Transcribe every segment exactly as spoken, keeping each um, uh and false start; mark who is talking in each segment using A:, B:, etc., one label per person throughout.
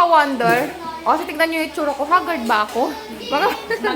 A: ka-wonder. O, kasi tignan nyo yung itsura ko. Haggard ba ako? Mga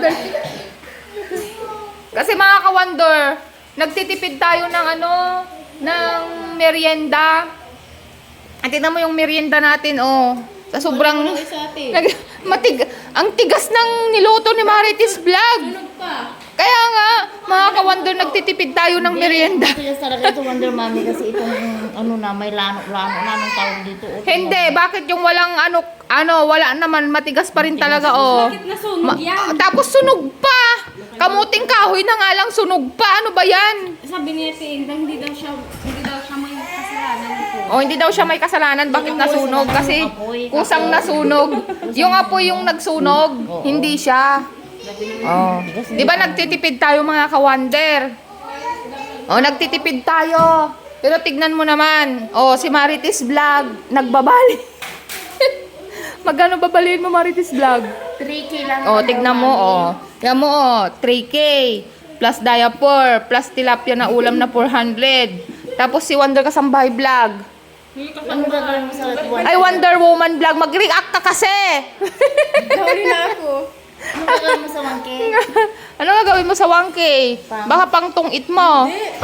A: Kasi mga ka-wonder, nagtitipid tayo ng ano, ng merienda. At tignan mo yung merienda natin, oh. Sa sobrang... Nag, matig, ang tigas ng niluto ni Marites Vlog. Kaya nga, mga ka-wonder, nagtitipid tayo ng merienda.
B: Ito talaga ito, Wonder Mommy, kasi itong ano na, may lano-lano na ng tawag dito. O,
A: Hindi, bakit yung walang ano, ano, wala naman, matigas pa rin talaga, oh.
C: Bakit nasunog yan?
A: Tapos sunog pa. Kamuting kahoy na nga lang sunog pa. Ano ba yan?
C: Sabi niya si Indang, hindi daw siya, hindi daw siya may kasalanan ito.
A: Oh, hindi daw siya may kasalanan. Bakit nasunog? Kasi kusang nasunog. Yung apoy yung nagsunog, hindi siya. Oh. Di ba nagtitipid tayo mga ka-wonder? Oh, nagtitipid tayo. Pero tignan mo naman. Oh, si Marites Vlog, nagbabali. Magkano babaliin mo, Marites Vlog?
B: three K lang.
A: Oh, tignan mo, oh. Tignan mo, oh. three K. Plus diaper. Plus tilapia na ulam na four hundred. Tapos si Wonder Kasambahay Vlog.
B: Ano gagawin mo sa Wonder?
A: Ay, Wonder Woman Vlog. Mag-react ka kasi.
C: Gawin na ako.
B: Ano gagawin mo sa one K?
A: Ano nga gawin mo sa one K? Baka pang tungit mo.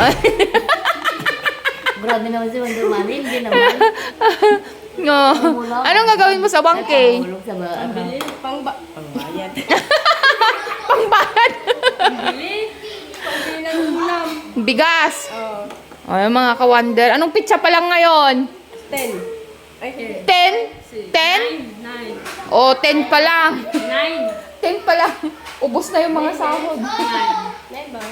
B: Grabe naman si Wonder Mommy, hindi naman.
A: No. Ano nga gawin mo sa one K?
B: Hulog sa ba? Ano?
C: Pang ba? Pangbayad.
A: Pangbayad.
C: Bili. Pambili ng ulam.
A: Bigas.
C: Oh.
A: Ay, mga ka-wonder. Anong pizza pa lang ngayon?
C: Ten. Ay, here.
A: ten? ten?
C: Nine.
A: O, ten pa lang.
C: Nine.
A: ten pa lang. Ubus na yung mga sahod.
C: Nine ba?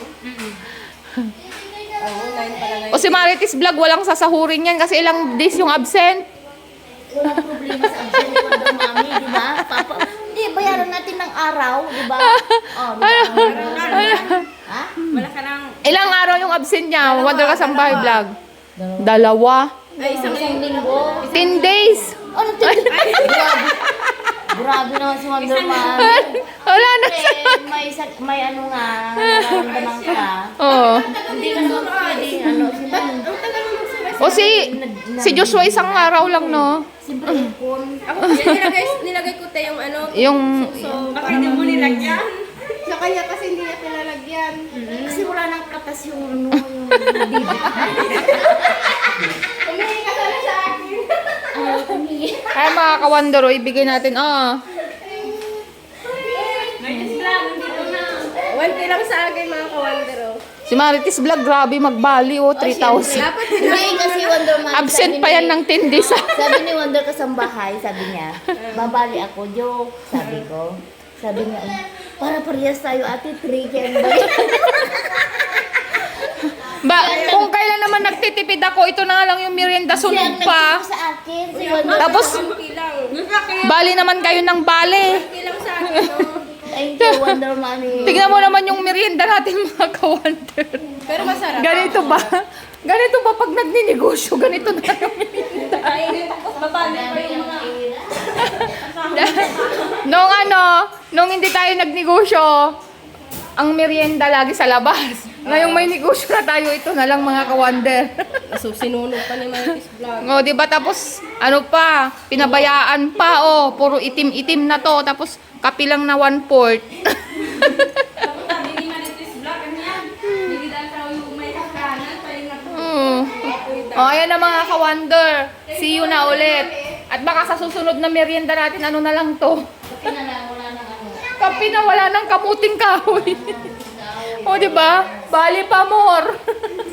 C: Oo, nine pala ngayon.
A: O si Marites Vlog, walang sasahurin yan kasi ilang days yung absent.
B: Walang problema sa absent ni Wonder Mommy, di ba? Papa, hindi, bayaran natin ng araw, di ba? Oh, di ba? Ha?
C: Wala ka nang...
A: Ilang araw yung absent niya? Wonder Kasambahay Vlog. Dalawa.
C: Ay, isang
B: Isang linggo.
A: ten days.
B: Ano to? Grabe. Grabe naman si Wonder Mommy.
A: Wala na.
B: Eh, may, isa- may ano nga, nararamdaman ka.
A: Oo.
B: Hindi ka naman pwede, ano, siyempre,
A: O si, si Joshua isang araw lang, no?
B: siyempre, ipon.
C: Ako, yan, nilagay, nilagay ko tayo yung ano.
A: Yung,
C: So, baka hindi mo nilagyan. Sa kanya kasi hindi niya pinalagyan.
B: Kasi wala nang katas yung ano, yung bibig.
C: Humingi ka sana sa akin.
B: Ayaw kumingi.
A: ay mga kawandero, ibigay natin, ah.
C: one K lang sa akin mga kawandero.
A: Si Marites Vlog, grabe magbali, oh, three thousand.
C: Dapat
B: Hindi kasi Wonder Mommy.
A: Absent
B: sabi
A: pa
B: ni-
A: yan ng ten days, ah.
B: Sabi ni Wonder Kasambahay, sabi niya, babali ako, joke, sabi ko. Sabi niya, para parehas tayo ate, three K ang balik.
A: Ba, kung kailan naman nagtitipid ako, ito na nga lang yung merienda,
B: Siya
A: sunog
B: ang
A: pa.
B: nagturo sa akin, si Wonder.
A: Tapos,
C: one K lang.
A: bali naman kayo ng bali.
C: one K lang sa akin, no?
B: Thank you, Wonder Mommy.
A: Tignan mo naman yung merienda natin, mga kawander.
C: Pero masarap.
A: Ganito ba? Ganito ba pag nagninegosyo? Ganito na yung merienda.
C: Ay, babali pa yung mga...
A: Nung ano, nung hindi tayo nagnegosyo, ang merienda lagi sa labas. Ngayong may negosyo na tayo, ito na lang mga kawander.
C: So, sinunog pa ni Marites Vlog.
A: O, di ba? Tapos, ano pa, pinabayaan pa, oh. Puro itim-itim na to. Tapos, kapi lang na one-fourth.
C: Sabi ni Marites Vlog, ano yan? Hindi dahil sa yung may kakanan, pa yung nag...
A: Hmm. O, ayan na mga kawander. See you na ulit. At baka sa susunod na merienda natin, ano na lang to?
B: Kapi na lang, wala nang ano.
A: Kapi na wala ng kamuting kahoy. O, di ba? Bali pa more.